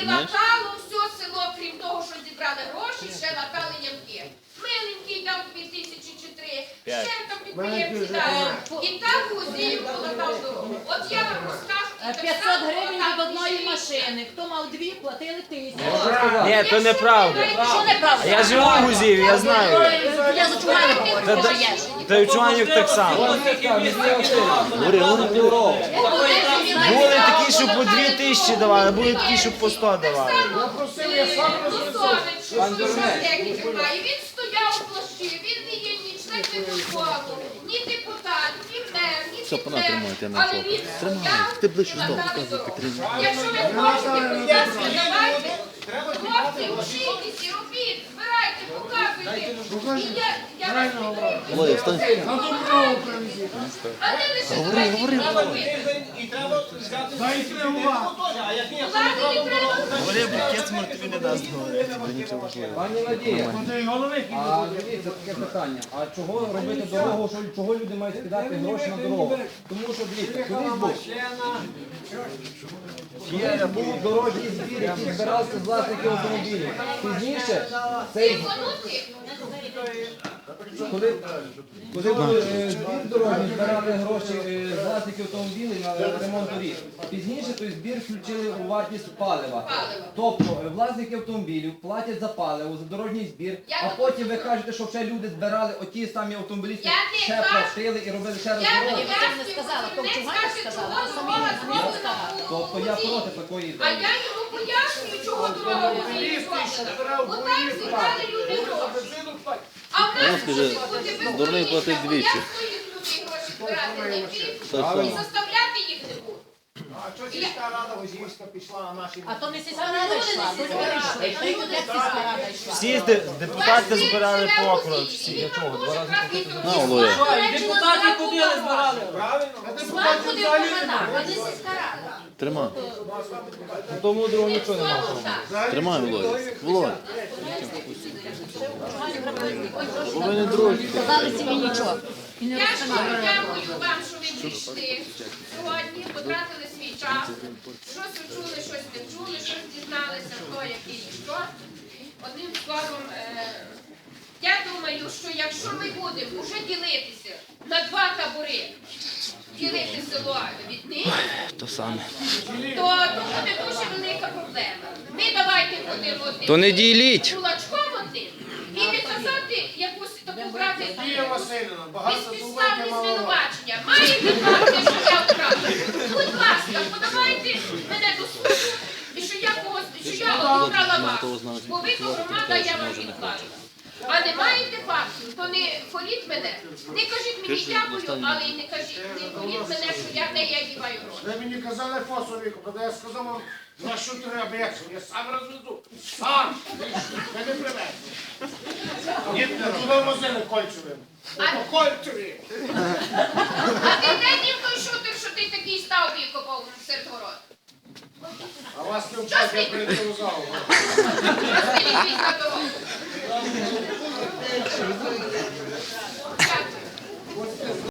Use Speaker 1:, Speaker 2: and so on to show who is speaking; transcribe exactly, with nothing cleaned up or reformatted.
Speaker 1: латало все село, крім того, що зібрали гроші, ще латали ямки. Миленький дав дві тисячі чи три, ще там підприємці дали. І так Гузіїв полатав дорогу. От я вам розкажу. і так
Speaker 2: п'ятсот
Speaker 1: само
Speaker 2: гривень
Speaker 1: полатав
Speaker 2: від одної
Speaker 1: Гузіїв.
Speaker 2: машини. Хто мав дві, платили тисячу.
Speaker 3: Ні, то неправда.
Speaker 2: Що неправда?
Speaker 3: Я живу в Гузіїві, я знаю.
Speaker 2: Я за чуману говорю,
Speaker 3: Та-
Speaker 2: ти живеш.
Speaker 3: Та й в Чуманів так само. Були такі, що по дві тисячі давали, були такі, що по сто давали.
Speaker 1: Він стояв у площі, він не є ні член виконкому, ні депутат, ні мер, ні підмер. Але він стояв
Speaker 4: Ти ближче
Speaker 1: і
Speaker 4: став,
Speaker 1: надав
Speaker 4: показуй,
Speaker 1: дорогу.
Speaker 4: Катерина.
Speaker 1: Якщо ви хочете, будь ласка, давайте. Хлопці, вчитесь і робіть, збирайте, показуйте. І я, я вас підтримую.
Speaker 4: Володя, встань.
Speaker 1: А не лише давайте робити.
Speaker 5: І треба взяти а як ні,
Speaker 1: Влади не треба.
Speaker 3: Говори, букет тобі не дасть говорити.
Speaker 6: Пані Надія, а дивіться таке питання. А чого робити дорогу, що чого люди мають кидати гроші на дорогу? Тому що дивіться, колись був. Є, був дорожній збір, який збирався з власників автомобілів. Пізніше цей
Speaker 1: Плануйте.
Speaker 6: коли, коли були е, збір дорожній, збирали гроші е, з власників автомобілів на ремонт доріг. Пізніше той збір включили у вартість палива. Тобто е, власники автомобілів платять за паливо, за дорожній збір, а потім ви кажете, що ще люди збирали оті самі автомобілісти,
Speaker 1: Я не
Speaker 6: ще
Speaker 1: кажу.
Speaker 6: платили і робили ще раз
Speaker 1: Я
Speaker 6: дорогу.
Speaker 1: не
Speaker 2: не сказала, то в Чугані сказала, а самі не сказала.
Speaker 6: Тобто я проти такої
Speaker 1: А
Speaker 6: ідеї.
Speaker 1: я йому пояснюю, чого дорога Гузіїв зроблена. Отак зібрали люди гроші. А в нас може бути
Speaker 4: дурний платить
Speaker 1: безконечно,
Speaker 4: двічі.
Speaker 1: бо я своїх людей гроші збирати не вмію
Speaker 4: Так само.
Speaker 1: і заставляти їх не буду.
Speaker 5: А що сільська рада Гузіївська пішла на наші...
Speaker 2: А то не сільська рада йшла, то люди йшли. То як сільська рада йшла?
Speaker 3: Всі де- депутати збирали по округ. Всі для чого? Два рази.
Speaker 4: На, Володя.
Speaker 1: Депутати ходили, збирали.
Speaker 5: Правильно?
Speaker 1: Сват ходив по хатах, а не сільська рада.
Speaker 4: Тримай.
Speaker 6: Тому другого нічого немає.
Speaker 4: Тримай, Володя. Володя. Бо ви не друзі.
Speaker 2: Сказали собі нічого. І не
Speaker 1: Я ж
Speaker 2: розказали.
Speaker 1: дякую вам, що ви прийшли сьогодні, потратили свій час. Щось ви чули, щось не чули, щось дізналися, хто який і що. Одним словом, е, я думаю, що якщо ми будемо вже ділитися на два табори, ділити село від них,
Speaker 4: То саме.
Speaker 1: то, то буде дуже велика проблема. Ми давайте будемо одним.
Speaker 4: То не діліть.
Speaker 1: Кулачком одним і відказати якусь таку брати
Speaker 5: Дія Васильівна, багато думаєте,
Speaker 1: безпідставне
Speaker 5: мало.
Speaker 1: звинувачення. Маєте факти, що я вкрала? Будь ласка, подавайте мене до суду, і що я когось, що я обікрала вас. Бо ви то громада, я вам відкажу. А не маєте фактів, то не хваліть мене. Не кажіть мені дякую, але і не кажіть, не хваліть мене, що я не я діваю гроші.
Speaker 5: Ви мені казали фосовіку, коли я сказав вам, на що треба, як це? Я сам розвезу. Сам! Ви не привезли. Ні, не туди возили кольцевим. По кольцеві.
Speaker 1: А ти де дів той шутер, що ти такий став викопав серед город?
Speaker 5: А вас не вчать, я прийти у залу.
Speaker 1: Розстріліть на дорогу. Дякую.